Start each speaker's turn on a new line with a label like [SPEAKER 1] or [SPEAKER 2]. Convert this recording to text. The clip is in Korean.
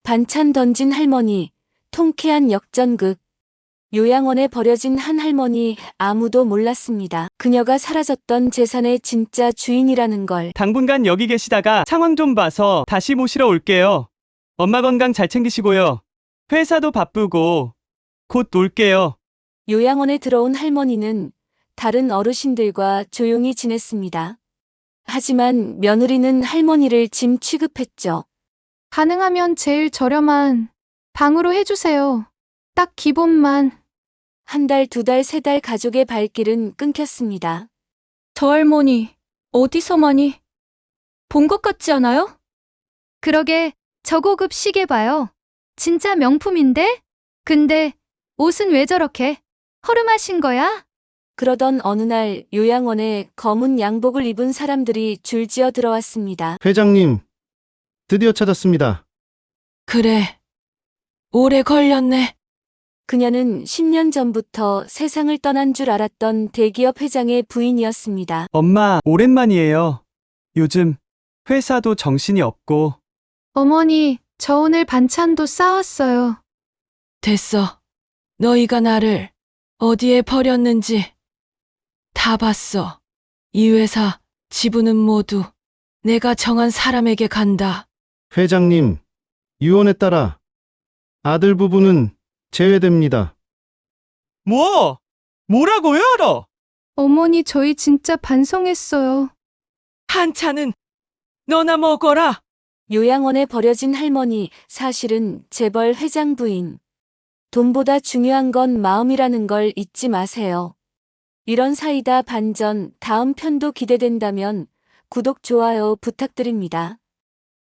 [SPEAKER 1] 반찬 던진 할머니, 통쾌한 역전극. 요양원에 버려진 한 할머니, 아무도 몰랐습니다. 그녀가 사라졌던 재산의 진짜 주인이라는 걸.
[SPEAKER 2] 당분간 여기 계시다가 상황 좀 봐서 다시 모시러 올게요. 엄마 건강 잘 챙기시고요. 회사도 바쁘고 곧 올게요.
[SPEAKER 1] 요양원에 들어온 할머니는 다른 어르신들과 조용히 지냈습니다. 하지만 며느리는 할머니를 짐 취급했죠.
[SPEAKER 3] 가능하면 제일 저렴한 방으로 해주세요. 딱 기본만.
[SPEAKER 1] 한 달, 두 달, 세 달 가족의 발길은 끊겼습니다.
[SPEAKER 4] 저 할머니, 어디서 많이 본 것 같지 않아요?
[SPEAKER 3] 그러게 저고급 시계 봐요. 진짜 명품인데? 근데 옷은 왜 저렇게 허름하신 거야?
[SPEAKER 1] 그러던 어느 날 요양원에 검은 양복을 입은 사람들이 줄지어 들어왔습니다.
[SPEAKER 5] 회장님, 드디어 찾았습니다.
[SPEAKER 4] 그래, 오래 걸렸네.
[SPEAKER 1] 그녀는 10년 전부터 세상을 떠난 줄 알았던 대기업 회장의 부인이었습니다.
[SPEAKER 2] 엄마, 오랜만이에요. 요즘 회사도 정신이 없고.
[SPEAKER 3] 어머니, 저 오늘 반찬도 싸왔어요.
[SPEAKER 4] 됐어. 너희가 나를 어디에 버렸는지 다 봤어. 이 회사 지분은 모두 내가 정한 사람에게 간다.
[SPEAKER 5] 회장님, 유언에 따라 아들 부부는 제외됩니다.
[SPEAKER 2] 뭐라고요?
[SPEAKER 3] 어머니, 저희 진짜 반성했어요.
[SPEAKER 4] 한차는 너나 먹어라.
[SPEAKER 1] 요양원에 버려진 할머니, 사실은 재벌 회장 부인. 돈보다 중요한 건 마음이라는 걸 잊지 마세요. 이런 사이다 반전 다음 편도 기대된다면 구독, 좋아요 부탁드립니다.